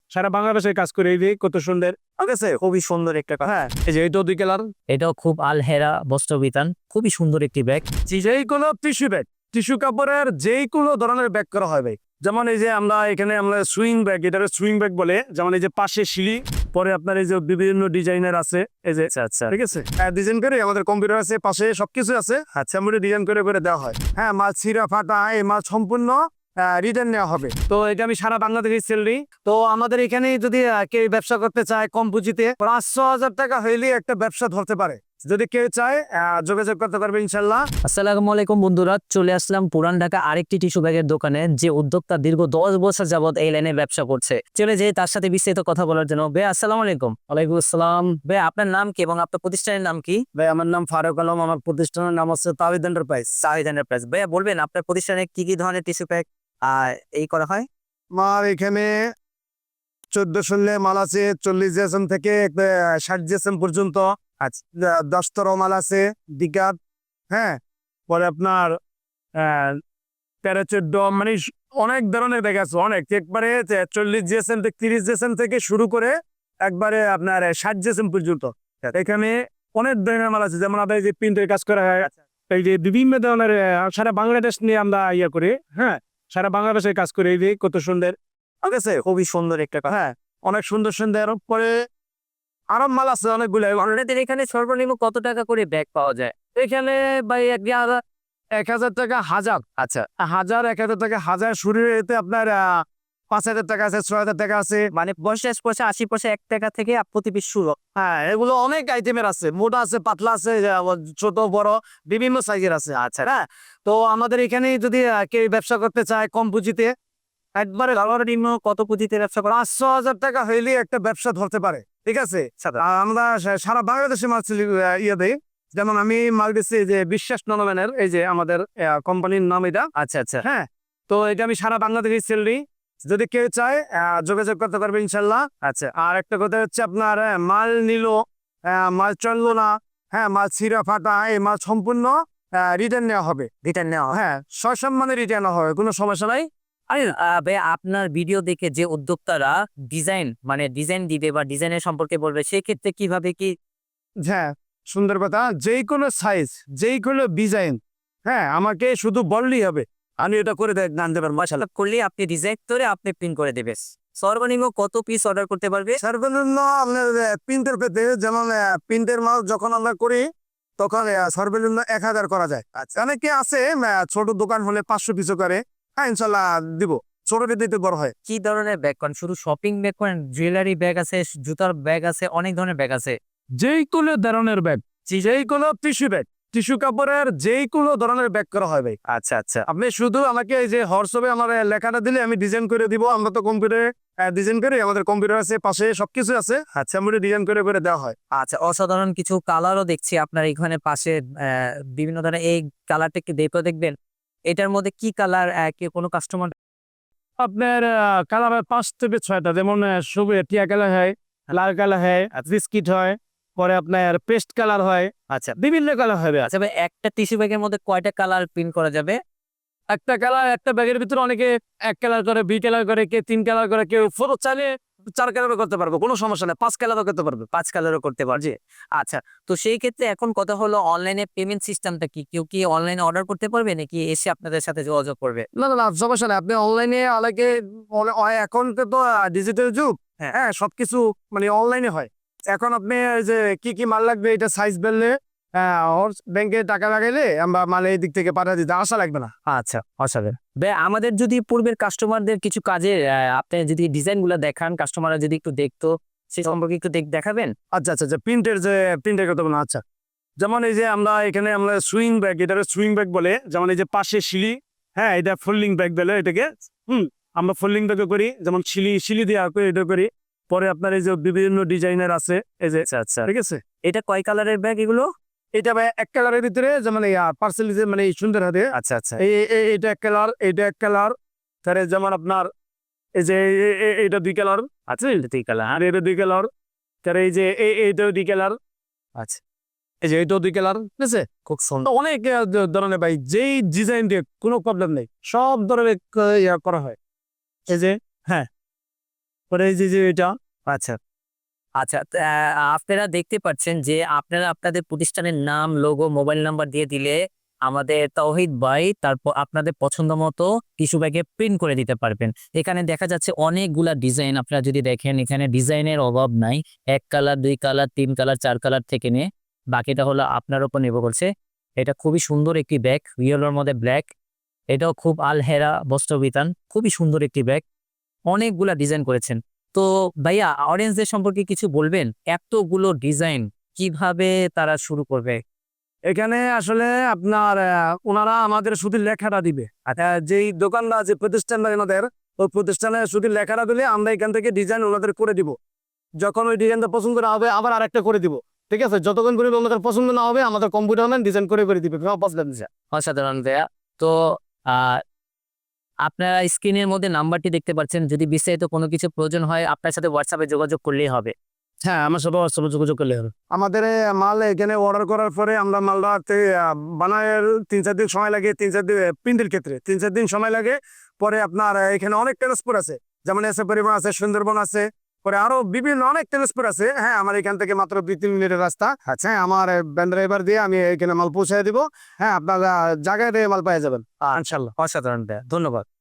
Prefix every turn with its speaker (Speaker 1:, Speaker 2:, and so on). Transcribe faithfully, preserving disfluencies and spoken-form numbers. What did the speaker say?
Speaker 1: সারা বাংলাদেশে কাজ করে এই যে কত সুন্দর।
Speaker 2: ঠিক আছে, খুবই সুন্দর একটা কথা।
Speaker 1: হ্যাঁ, এই যে এটাও দুই কালার।
Speaker 2: এটাও খুব আলহেরা বস্ত্র বিতান, খুবই সুন্দর একটি ব্যাগ।
Speaker 1: যেই কোনো টিস্যু ব্যাগ, টিস্যু কাপড়ের যেই কোনো ধরনের ব্যাগ করা হয় ভাই। যেমন এই যে আমরা এখানে আমরা সুইং ব্যাগ, এটা সুইং ব্যাগ বলে। যেমন এই যে পাশে সিঁড়ি, পরে আপনার এই যে বিভিন্ন ডিজাইনের আছে এই যে।
Speaker 2: আচ্ছা আচ্ছা
Speaker 1: ঠিক আছে, ডিজাইন করে আমাদের কম্পিউটার আছে, পাশে সবকিছু আছে। আচ্ছা, আমরা ডিজাইন করে করে দেওয়া হয়। হ্যাঁ, মাছ ছিঁড়া ফাটা এই মাছ সম্পূর্ণ রিটার্ন নেওয়া হবে। তো এটা আমি সারা বাংলাদেশে সেল দিই। তো আমাদের এখানে যদি আহ, কেউ ব্যবসা করতে চায় কম পুঁজিতে, পাঁচশো হাজার টাকা হইলে একটা ব্যবসা ধরতে পারে। যদি কেউ চায় আহ, যোগাযোগ করতে পারবে ইনশাল্লাহ।
Speaker 2: আসসালামু আলাইকুম বন্ধুরা, চলে আসলাম পুরান ঢাকা আরেকটি টিস্যু ব্যাগের দোকানে, যে উদ্যোক্তা দীর্ঘ দশ বছর যাবত এই লাইনে ব্যবসা করছে। চলে যে তার সাথে বিস্তারিত কথা বলার জন্য। ভাই আসসালামু আলাইকুম।
Speaker 1: ওয়ালাইকুম আসসালাম।
Speaker 2: ভাই আপনার নাম কি এবং আপনার প্রতিষ্ঠানের নাম কি?
Speaker 1: ভাই আমার নাম ফারুক আলম, আমার প্রতিষ্ঠানের নাম হচ্ছে তাওহিদ এন্টারপ্রাইজ।
Speaker 2: শাহিদ এন্টারপ্রাইজ। ভাইয়া বলবেন আপনার প্রতিষ্ঠানে কি কি ধরনের টিস্যু ব্যাগ আর এই করা হয়?
Speaker 1: আমার এখানে চোদ্দ ষোলো মাল আছে, চল্লিশ জিএসএম থেকে ষাট জিএসএম পর্যন্ত। আচ্ছা, দশ তেরো মাল আছে দিকাত। হ্যাঁ, পরে আপনার আহ, তেরো চোদ্দ মানে অনেক ধরনের ব্যাগ আছে, অনেক। একবারে চল্লিশ জিএসএম থেকে তিরিশ জিএসএম থেকে শুরু করে একবারে আপনার ষাট জিএসএম পর্যন্ত। এখানে অনেক ধরনের মাল আছে, যেমন আমাদের যে প্রিন্টের কাজ করা হয়, এই যে বিভিন্ন ধরনের আহ, সারা বাংলাদেশ নিয়ে আমরা ইয়ে করি। হ্যাঁ, সারা বাংলাদেশে কাজ করে এই যে কত সুন্দর। ঠিক আছে,
Speaker 2: খুবই সুন্দর একটা কথা।
Speaker 1: হ্যাঁ, অনেক সুন্দর সুন্দর। পরে আরো মাল আছে অনেকগুলো।
Speaker 2: আপনাদের এখানে সর্বনিম্ন কত টাকা করে ব্যাগ পাওয়া যায়?
Speaker 1: এখানে ভাই এক হাজার এক হাজার টাকা হাজার।
Speaker 2: আচ্ছা,
Speaker 1: হাজার এক হাজার টাকা হাজার শুরু হইতে আপনার আহ, পাঁচ হাজার টাকা আছে, ছয় হাজার টাকা আছে।
Speaker 2: মানে পঞ্চাশ পয়সা আশি পয়সা এক টাকা থেকে প্রতি পিস শুরু।
Speaker 1: হ্যাঁ, এগুলো অনেক আইটেমের আছে, মোটা আছে, পাতলা আছে, আহ, ছোট বড় বিভিন্ন সাইজের আছে।
Speaker 2: আচ্ছা,
Speaker 1: হ্যাঁ, তো আমাদের এখানে যদি আহ, কেউ ব্যবসা করতে চায় কম পুঁজিতে, একবারে
Speaker 2: সর্বনিম্ন কত পুঁজিতে ব্যবসা করা?
Speaker 1: পাঁচশো হাজার টাকা হইলে একটা ব্যবসা ধরতে পারে। ঠিক আছে, আর আমরা সা- সারা বাংলাদেশে মাল চিলি- আহ, ইয়ে দেই। যেমন আমি মাল দিচ্ছি যে বিশ্বাস ননম্যানের, এই যে আমাদের কোম্পানির নাম এটা।
Speaker 2: আচ্ছা আচ্ছা
Speaker 1: হ্যাঁ, তো এটা আমি সারা বাংলাদেশে সেল দিই। যদি কেউ চায় আহ, যোগাযোগ করতে পারবে ইনশাল্লাহ।
Speaker 2: আচ্ছা
Speaker 1: আর একটা কথা হচ্ছে আপনার আহ, মাল নিল, আহ, মাল চললো না, হ্যাঁ, মাল ছিঁড়া ফাটা এই মাল সম্পূর্ণ রিটার্ন নেওয়া হবে।
Speaker 2: রিটার্ন নেওয়া হয়।
Speaker 1: হ্যাঁ, সসম্মানে রিটার্ন হবে, কোনো সমস্যা নাই।
Speaker 2: আরে আহ, ভাই আপনার ভিডিও দেখে যে উদ্যোক্তারা ডিজাইন মানে ডিজাইন দিবে বা ডিজাইনের সম্পর্কে বলবে, সেক্ষেত্রে কিভাবে কি?
Speaker 1: হ্যাঁ, সুন্দর কথা। যেই কোনো সাইজ, যেই কোনো ডিজাইন, হ্যাঁ, আমাকে শুধু বললেই হবে, আমি এটা করে দেখ গান দেবেন মাসাল।
Speaker 2: করলে আপনি ডিজাইন করে আপনি প্রিন্ট করে দেবে। সর্বনিম্ন কত পিস অর্ডার করতে পারবে?
Speaker 1: সর্বনিম্ন আপনার প্রিন্টের পেতে, যেমন প্রিন্টের মাল যখন আমরা করি তখন আহ, সর্বনিম্ন এক হাজার করা যায়। আচ্ছা, অনেকে আছে আহ, ছোট দোকান হলে পাঁচশো পিসও করে। হ্যাঁ, ইনশাল্লাহ দিব, ছোট দিতে বড় হয়।
Speaker 2: কি ধরনের ব্যাগ করেন? শুধু শপিং ব্যাগ করেন? জুয়েলারি ব্যাগ আছে, জুতার ব্যাগ আছে, অনেক ধরনের ব্যাগ আছে।
Speaker 1: যেই কোনো ধরনের ব্যাগ, যেই কোনো টিস্যু ব্যাগ, টিস্যু কাপড়ের যেই কোনো ধরনের ব্যাগ করা হয় ভাই।
Speaker 2: আচ্ছা আচ্ছা
Speaker 1: আপনি শুধু আমাকে এই যে হোয়াটসঅ্যাপে আমার আহ, লেখাটা দিলে আমি ডিজাইন করে দিব। আমরা তো কম্পিউটারে ডিজাইন করি, আমাদের কম্পিউটার আছে, পাশে সবকিছু আছে। আচ্ছা, আমরা ডিজাইন করে করে দেওয়া হয়।
Speaker 2: আচ্ছা অসাধারণ কিছু কালারও দেখছি আপনার এখানে পাশে। আহ, বিভিন্ন ধরনের এই কালারটা একটু দেখো, দেখবেন এটার মধ্যে কি কালার কি কোনো কাস্টমার?
Speaker 1: আপনার কালার হয় পাঁচ থেকে ছয়টা, যেমন আহ, সবুজ টিয়া কালার হয়, লাল কালার হয়, বিস্কিট হয়, পরে আপনার পেস্ট কালার হয়,
Speaker 2: আচ্ছা
Speaker 1: বিভিন্ন কালার হবে।
Speaker 2: আচ্ছা ভাই, একটা টিস্যু ব্যাগের মধ্যে কয়টা কালার প্রিন্ট করা যাবে?
Speaker 1: একটা কালার, একটা ব্যাগের ভিতরে অনেকে এক কালার করে, দুই কালার করে, কেউ তিন কালার করে, কেউ ফটো চাইলে চার কালারও করতে পারবে, কোনো সমস্যা নেই। পাঁচ কালারও করতে পারবে।
Speaker 2: পাঁচ কালারও করতে পারবে। আচ্ছা, তো সেই ক্ষেত্রে এখন কথা হলো অনলাইনে পেমেন্ট সিস্টেমটা কি? কেউ কি অনলাইনে অর্ডার করতে পারবে নাকি এসে আপনাদের সাথে যোগাযোগ করবে?
Speaker 1: না না না, সমস্যা নেই। আপনি অনলাইনে অনেকে, এখন তো ডিজিটাল যুগ।
Speaker 2: হ্যাঁ।
Speaker 1: হ্যাঁ, সবকিছু মানে অনলাইনে হয়। এখন আপনি এই যে কি কি মাল লাগবে এটা সাইজ বললে ব্যাংকে টাকা লাগাইলে আমরা মাল এই দিক থেকে পাঠিয়ে দিতে আসা লাগবে না।
Speaker 2: আচ্ছা অসাধারণ। ভাই আমাদের যদি পূর্বের কাস্টমারদের কিছু কাজে আপনি যদি ডিজাইন গুলো দেখান, কাস্টমাররা যদি একটু দেখতো, সে সম্পর্কে একটু দেখ দেখাবেন।
Speaker 1: আচ্ছা আচ্ছা আচ্ছা, প্রিন্টের যে প্রিন্টের কথা বলুন। আচ্ছা, যেমন এই যে আমরা এখানে আমরা সুইং ব্যাগ, এটা সুইং ব্যাগ বলে। যেমন এই যে পাশে সিঁড়ি, হ্যাঁ, এটা ফোল্ডিং ব্যাগ বলে এটাকে। হুম, আমরা ফোল্ডিং ব্যাগও করি, যেমন সিঁড়ি সিঁড়ি দিয়ে করি, এটা করি। পরে আপনার এই যে বিভিন্ন ডিজাইনের আছে এই যে।
Speaker 2: আচ্ছা আচ্ছা,
Speaker 1: ঠিক আছে,
Speaker 2: এটা কয় কালারের ব্যাগ এগুলো?
Speaker 1: এটা ভাই এক কালারের ভিতরে, যেমন পার্সেল মানে এই সুন্দর হাতে।
Speaker 2: আচ্ছা আচ্ছা
Speaker 1: এই এই- এইটা এক কালার, এইটা এক কালার। তাহলে যেমন আপনার এই যে এ- এ- এ- এইটা দুই কালার।
Speaker 2: আচ্ছা, এটা দুই কালার।
Speaker 1: আর এটা দুই কালার। তাহলে এই যে এই এইটাও দুই কালার।
Speaker 2: আচ্ছা,
Speaker 1: এই যে এইটাও দুই কালার। ঠিক আছে,
Speaker 2: খুব সুন্দর।
Speaker 1: তো অনেক আহ, দ- ধরনের ভাই, যেই ডিজাইন দিয়ে কোনো প্রবলেম নেই, সব ধরনের ক- ইয়া করা হয়। এই যে, হ্যাঁ, পরে এই যে যে এটা
Speaker 2: আচ্ছা আচ্ছা তা, আহ, আপনারা দেখতে পাচ্ছেন যে আপনারা আপনাদের প্রতিষ্ঠানের নাম লোগো মোবাইল নাম্বার দিয়ে দিলে আমাদের তৌহিদ ভাই তারপর আপনাদের পছন্দ মতো টিস্যু ব্যাগে প্রিন্ট করে দিতে পারবেন। এখানে দেখা যাচ্ছে অনেকগুলা ডিজাইন, আপনারা যদি দেখেন এখানে ডিজাইনের অভাব নাই। এক কালার, দুই কালার, তিন কালার, চার কালার থেকে নিয়ে বাকিটা হলো আপনার উপর নির্ভর করছে। এটা খুবই সুন্দর একটি ব্যাগ, ইয়েলোর মধ্যে ব্ল্যাক। এটাও খুব আলহেরা বস্ত্রবিতান, খুবই সুন্দর একটি ব্যাগ। অনেকগুলা ডিজাইন করেছেন। তো ভাইয়া অডিয়েন্সদের সম্পর্কে কিছু বলবেন? এতগুলো ডিজাইন কিভাবে তারা শুরু করবে?
Speaker 1: এখানে আসলে আপনার আহ, ওনারা আমাদের শুধু লেখাটা দিবে। আচ্ছা, যেই দোকানটা যে প্রতিষ্ঠানটা আমাদের, ওই প্রতিষ্ঠানে শুধু লেখাটা দিলে আমরা এখান থেকে ডিজাইন ওনাদের করে দিব। যখন ওই ডিজাইনটা পছন্দ না হবে আবার আরেকটা করে দিব। ঠিক আছে, যতক্ষণ পর্যন্ত আমাদের পছন্দ না হবে আমাদের কম্পিউটার ম্যান ডিজাইন করে করে দিবে, কোনো প্রবলেম নেই।
Speaker 2: অসাধারণ ভাইয়া। তো আহ আপনারা স্ক্রিনের মধ্যে নাম্বারটি দেখতে পাচ্ছেন, যদি বিস্তারিত কোনো কিছু প্রয়োজন হয় আপনার সাথে হোয়াটসঅ্যাপে যোগাযোগ করলেই হবে।
Speaker 1: হ্যাঁ, আমার সাথে হোয়াটসঅ্যাপে যোগাযোগ করলে হবে। আমাদের এ, মাল এখানে অর্ডার করার পরে আমরা মালটা তে- আহ, বানায়ের তিন চার দিন সময় লাগে, তিন চার দিন প্রিন্টের ক্ষেত্রে তিন চার দিন সময় লাগে। পরে আপনার আহ, এখানে অনেক ট্রান্সপোর্ট আছে, যেমন এসে পরিবহন আছে, সুন্দরবন আছে, পরে আরো বিভিন্ন অনেক ট্রান্সপোর্ট আছে। হ্যাঁ, আমার এখান থেকে মাত্র দুই তিন মিনিটের রাস্তা। আচ্ছা, হ্যাঁ, আমার ভ্যান ড্রাইভার দিয়ে আমি এখানে মাল পৌঁছে দিব। হ্যাঁ, আপনারা জায়গায় মাল পেয়ে যাবেন
Speaker 2: ইনশাল্লাহ। অসাধারণ ভাইয়া, ধন্যবাদ।